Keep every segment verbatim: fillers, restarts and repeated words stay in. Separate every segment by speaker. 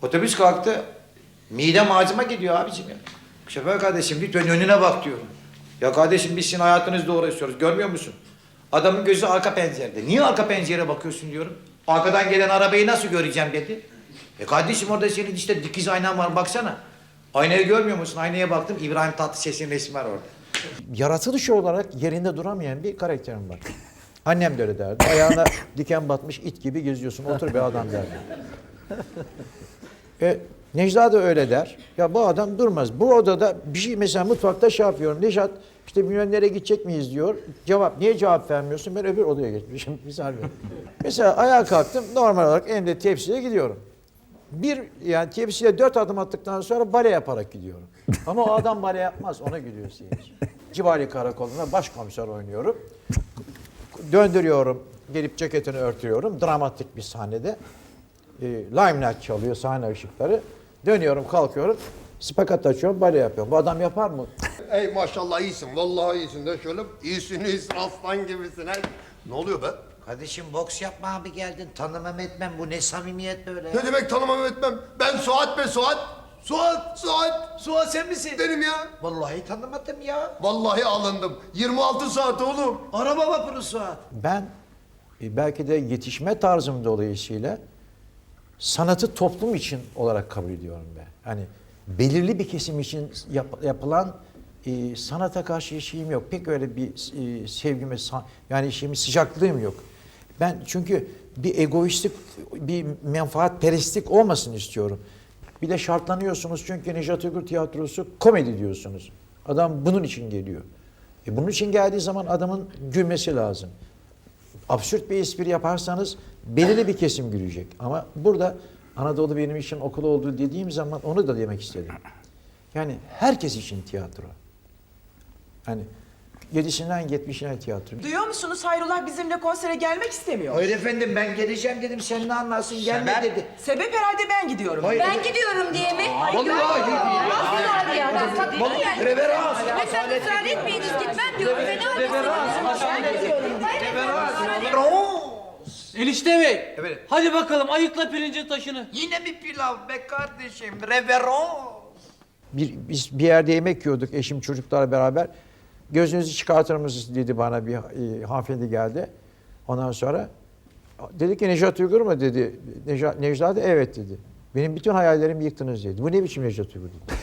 Speaker 1: Otobüs kalktı. Midem ağzıma gidiyor abicim ya. Şoför kardeşim lütfen önüne bak diyorum. Ya kardeşim biz sizin hayatınızla uğraşıyoruz. Görmüyor musun? Adamın gözü arka pencerede. Niye arka pencereye bakıyorsun diyorum. Arkadan gelen arabayı nasıl göreceğim dedi. E kardeşim orada senin işte dikiz aynan var baksana. Aynayı görmüyor musun? Aynaya baktım İbrahim Tatlıses'in resmi var orada. Yaratılış olarak yerinde duramayan bir karakterim var. Annem de öyle derdi. Ayağına diken batmış it gibi geziyorsun. Otur be adam derdi. E, Necla da öyle der. Ya bu adam durmaz. Bu odada bir şey mesela mutfakta şey yapıyorum. Nejat işte bilmem nereye gidecek miyiz diyor. Cevap niye cevap vermiyorsun? Ben öbür odaya geçmişim. Misal veriyorum. Mesela ayağa kalktım. Normal olarak elimde tepsiye gidiyorum. Bir yani tepsiye dört adım attıktan sonra bale yaparak gidiyorum. Ama o adam bale yapmaz. Ona gülüyor seyirci. Cibali Karakolu'nda başkomiser oynuyorum. Döndürüyorum. Gelip ceketini örtüyorum. Dramatik bir sahnede. E, Limelight çalıyor sahne ışıkları. Dönüyorum, kalkıyorum. Spakat açıyorum, bale yapıyorum. Bu adam yapar mı?
Speaker 2: Ey maşallah iyisin. Vallahi iyisin de şöyle. İyisin iyisin aslan gibisin. He. Ne oluyor be?
Speaker 1: Kardeşim boks yapma abi geldin. Tanımam etmem. Bu ne samimiyet böyle ya?
Speaker 2: Ne demek tanımam etmem? Ben Suat be Suat. Suat, Suat.
Speaker 1: Suat sen misin?
Speaker 2: Benim ya.
Speaker 1: Vallahi tanımadım ya.
Speaker 2: Vallahi alındım. yirmi altı saat oğlum.
Speaker 1: Araba vapuru Suat. Ben e, belki de yetişme tarzım dolayısıyla sanatı toplum için olarak kabul ediyorum ben. Hani belirli bir kesim için yap- yapılan e, sanata karşı şeyim yok. Pek öyle bir e, sevgim ve sa- yani şeyim sıcaklığım yok. Ben çünkü bir egoistlik, bir menfaatperestlik olmasın istiyorum. Bir de şartlanıyorsunuz çünkü Nejat Uygur Tiyatrosu komedi diyorsunuz. Adam bunun için geliyor. E bunun için geldiği zaman adamın gülmesi lazım. Absürt bir espri yaparsanız belirli bir kesim gülecek. Ama burada Anadolu benim için okul olduğu dediğim zaman onu da demek istedim. Yani herkes için tiyatro. Hani yedisinden yetmişine tiyatro.
Speaker 3: Duyuyor musunuz? Hayrullah bizimle konsere gelmek istemiyor.
Speaker 1: Hayır efendim ben geleceğim dedim sen ne anlarsın gelme dedi.
Speaker 3: Sebep herhalde ben gidiyorum.
Speaker 1: Hayır.
Speaker 4: Ben gidiyorum diye mi?
Speaker 1: Vallahi
Speaker 4: Nasıl abi ya? Ben tabii
Speaker 1: Vallahi
Speaker 4: yani.
Speaker 1: reverans.
Speaker 4: Ve sen ısrar etmeyiniz gitmem diyorum. Fena
Speaker 1: Reverans.
Speaker 5: Enişte bey.
Speaker 1: Evet.
Speaker 5: Hadi bakalım ayıkla pirincin taşını.
Speaker 1: Yine mi pilav be kardeşim? Reverans. Bir, biz bir yerde yemek yiyorduk eşim çocuklarla beraber. Gözünüzü çıkartır mısınız dedi bana bir e, hanımefendi geldi. Ondan sonra dedi ki Nejat Uygur mu dedi. Nejat, Necla da evet dedi. Benim bütün hayallerimi yıktınız dedi. Bu ne biçim Nejat Uygur dedi.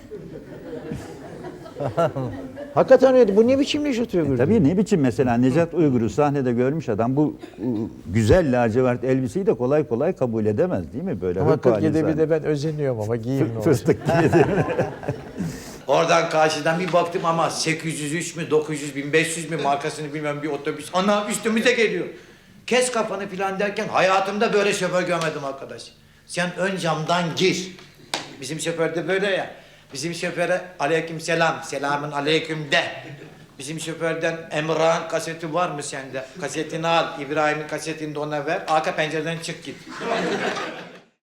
Speaker 1: Hakikaten öyle. Bu ne biçim Nejat Uygur dedi.
Speaker 6: Tabii ne biçim mesela Nejat Uygur'u sahnede görmüş adam bu u, güzel lacivert elbiseyi de kolay kolay kabul edemez değil mi böyle?
Speaker 1: Ama
Speaker 6: hırp halin
Speaker 1: kırk yedide bir
Speaker 6: zannediyor.
Speaker 1: de ben özeniyorum ama giyeyim ne olacak.
Speaker 6: Fıstık gibi değil mi?
Speaker 1: Oradan karşıdan bir baktım ama sekiz yüz üç mü dokuz yüz bin beş yüz mü markasını bilmem bir otobüs. Ana üstümüze geliyor. Kes kafanı falan derken hayatımda böyle şoför görmedim arkadaş. Sen ön camdan gir. Bizim şoför de böyle ya. Bizim şoföre aleyküm selam, selamın aleyküm de. Bizim şoförden Emrah'ın kaseti var mı sende? Kasetini al, İbrahim'in kasetini de ona ver. Arka pencereden çık git.